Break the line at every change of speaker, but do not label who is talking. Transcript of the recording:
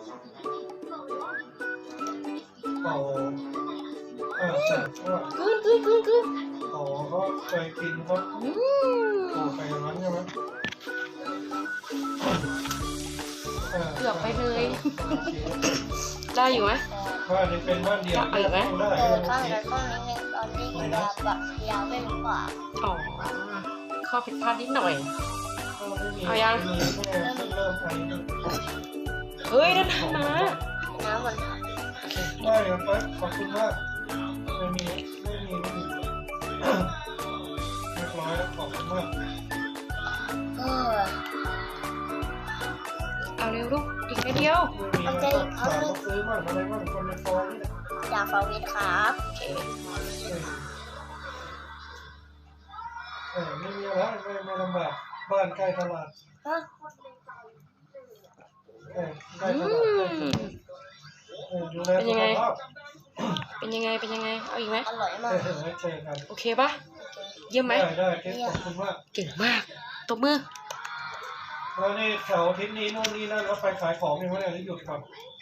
เต่าแต่ว่า
กึ้น
เต่าเขาเคยกินเขาปลูกไปอย่างนั้นใช่ไหม
เกือบไปเลย ได้อยู่ไหม
บ้านนี้เป็นบ้านเดียว
เอาอีกไหม
ได้
ข้างนั้นข้างนี้ตอนนี้ยาวแบบยาวไม่รู้กว่า
อ๋อข้อผิดพลาดนิดหน่อย เอายัง
มีแค่เริ่มไอ
เฮ้ยนั่นมา
น้ำมัน
ได้ครับไปขอบคุณมากไม่มีเรียบร้อยแล้วขอบคุณมาก
เอาเร็วลูกอีกนิดเดียว
ไม่มีแล้วก็ถามว่าซื้อบ้างอะไรบ้างคนในซอยนี่แหละ
จากฟาวิทครับ
โอเค
ไม่มีอะไรไม่ลำบากบ้านใกล้ตลาดใกล้ตลาดดูแลสุขภาพ
เป็นยังไงเอาอีกไหม
อร่อยมาก
เจอกัน
โอเคปะเยี่ยมไหม
ได้เค้กขอบคุณมาก
เก่งมากตบมือ
แล้วนี่เสาร์อาทิตย์นี้นู่นนี่นั่นแล้วไปขายของยังไม่ได้หรือหยุดครับ